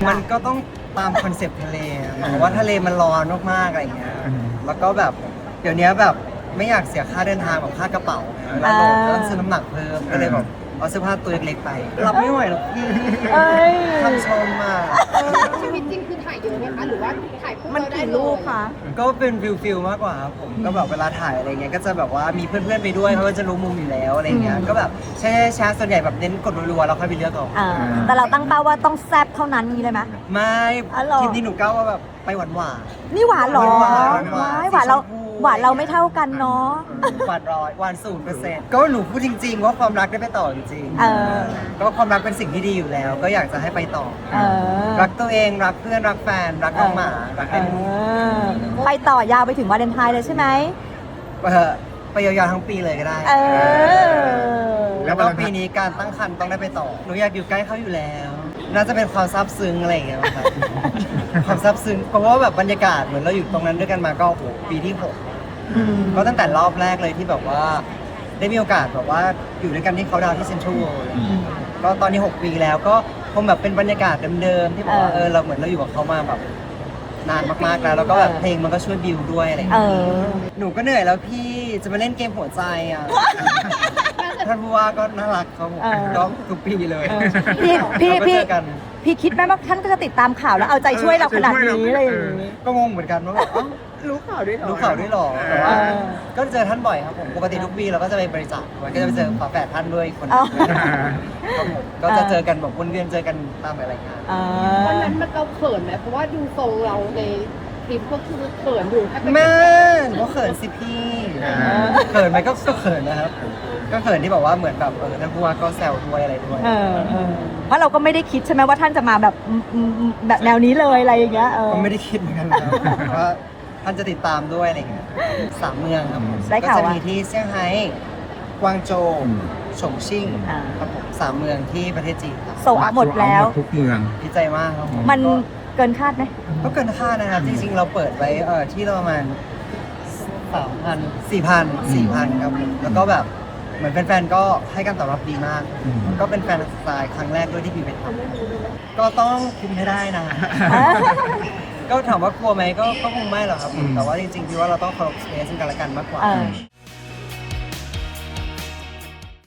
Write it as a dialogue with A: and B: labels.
A: มันก็ต้องตามคอนเซปต์ทะเลหมายว่าทะเลมันร้อนมากๆอะไรอย่างเงี้ยแล้วก็แบบเดี๋ยวนี้แบบไม่อยากเสียค่าเดินทางแบบค่ากระเป๋าแล้วโหลดแล้วซื้อน้ำหนักเพิ่มก็เลยแบบเอาเสื้อผ้าตัวเล็กๆไปรับไม่ไหวหรอกพี่คำชมอ่ะ
B: ชีวิตจริงคือถ่ายเยอะไหมคะหรือว่าถ่ายคู่
C: มัน
B: เราได้
C: กี่
B: เล
C: รูป
B: ย
C: คะ
A: ก็เป็นฟิลมากกว่าครับผมก็แบบเวลาถ่ายอะไรเงี้ยก็จะแบบว่ามีเพื่อนๆไปด้วยเพราะว่าจะรู้มุมอยู่แล้วอะไรเงี้ยก็แบบแช่ส่วนใหญ่แบบเน้นกดรัวๆแล้วค่อยไปเลือกเอา
C: แต่เราตั้งเป้าว่าต้องแซ่บเท่านั้นนี้เลยไหม
A: ไม่
C: อ๋อเหรอ
A: คลิปนี้หนูก้าวว่าแบบไปหวาน
C: นี่หวานเหรอ
A: หวาน
C: หวานเรา
A: สีชมพู
C: หวานเราไม่เท่ากันเนาะ
A: หวานร้อยหวาน0%ก็หนูพูดจริงๆว่าความรักได้ไปต่อจริงๆ
C: เออ
A: ก็ความรักเป็นสิ่งที่ดีอยู่แล้ว ก็อยากจะให้ไปต่อ
C: เออ
A: รักตัวเองรักเพื่อนรักแฟนรักน้องหมารักใคร
C: ไปต่อยาวไปถึงวาเลนไทน์เลยใช่ไหม
A: ไปยาวๆทั้งปีเลยก็ได้
C: เออ
A: แล้วก็ปีนี้การตั้งครรภ์ต้องได้ไปต่อหนูอยากอยู่ใกล้เขาอยู่แล้ว น่าจะเป็นความซาบซึ้งอะไรอย่างเงี้ยครับ ความซาบซึ้งเพราะว่าแบบบรรยากาศเหมือนเราอยู่ตรงนั้นด้วยกันมาก็โอ้โหปีที่6ก็ตั้งแต่รอบแรกเลยที่แบบว่า ได้มีโอกาสแบบว่าอยู่ด้วยกันที่เขาดาวน์ที่เซ็นทรัลเวิลด์ก็ตอนนี้6 ปีแล้วก็คงแบบเป็นบรรยากาศเดิมๆที่แบบว่าเราเหมือนเราอยู่กับเขามาแบบนานมากๆแล้วก็แบบเพลงมันก็ช่วยบิวด้วยอะไรอย่าง
C: เอ
A: เงี้ย
C: อ
A: หนูก็เหนื่อยแล้วพี่จะมาเล่นเกมหัวใจอ่ะ ท่านผู้ว่าก็น่ารักครับผม
C: เออ
A: ก็ทุกปีเลย
C: พี่
A: เราก็เจอกัน
C: พี่คิดไหมว่าท่านก็จะติดตามข่าวแล้วเอาใจช่วยเราขนาดนี้อะไรอย่างนี้
A: ก็งงเหมือนกันว่าแบบเอ้า
C: รู้ข่าวด้วยเหรอ
A: รู้ข่าวด้วยเหรอแต่ว่า
C: เออ
A: ก็เจอท่านบ่อยครับผมปกติทุกปีเราก็จะไปบริจาคด้วยก็จะไปเจอฝาแฝดท่านด้วยคนห
C: อ๋
A: นึ
C: อ
A: งครับผมก็จะเจอกันแบบวนเวียนเจอกันตามรายงาน
C: อ่า
B: วันนั้นมันเราเขินไหมเพราะว่าดูทรงเราในคลิปก็คือเขินอยู่ถ้าเป็น
A: แม่หนูก็เขินสิพี่เขินไหมก็เขินนะครับก็เขินที่บอกว่าเหมือนแบบท่านผู้ว่าก็แซวด้วยอะไรด้วย
C: เพราะเราก็ไม่ได้คิดใช่ไหมว่าท่านจะมาแบบแบบแนวนี้เลยอะไรอย่างเงี้ย
A: ก็ไม่ได้คิดเหมือนกันนะครับว่าท่านจะติดตามด้วยอะไรเงี้ย3 เมืองครับผม
C: ได้
A: ก็
C: ข่าว
A: จะ
C: ว่า
A: มีที่เซี่ยงไฮ้กวางโจวฉงชิ่ง
C: อ่า
A: ครับผม3 เมืองที่ประเทศจีนครับ
C: โซเอาหมดแล้ว
D: ทุกเมือง
A: ดีใจมากครับผม
C: มันเกินคาดไหม
A: ก็เกินคาดนะครับ จริงๆ เราเปิดไว้ที่ประมาณ3,000 4,000ครับผมแล้วก็แบบเหมือนแฟนๆก็ให้การตอบรับดีมาก ก็เป็นแฟนสไตล์ครั้งแรกด้วยที่พี่ไปทำก็ต้องคุมให้ได้นะ ก็ถามว่ากลัวไหมก็คงไม่หรอกครับผมแต่ว่าจริงๆพี่ว่าเราต้องเคารพสเปซซึ่งกันและกันมากกว่า
C: เออ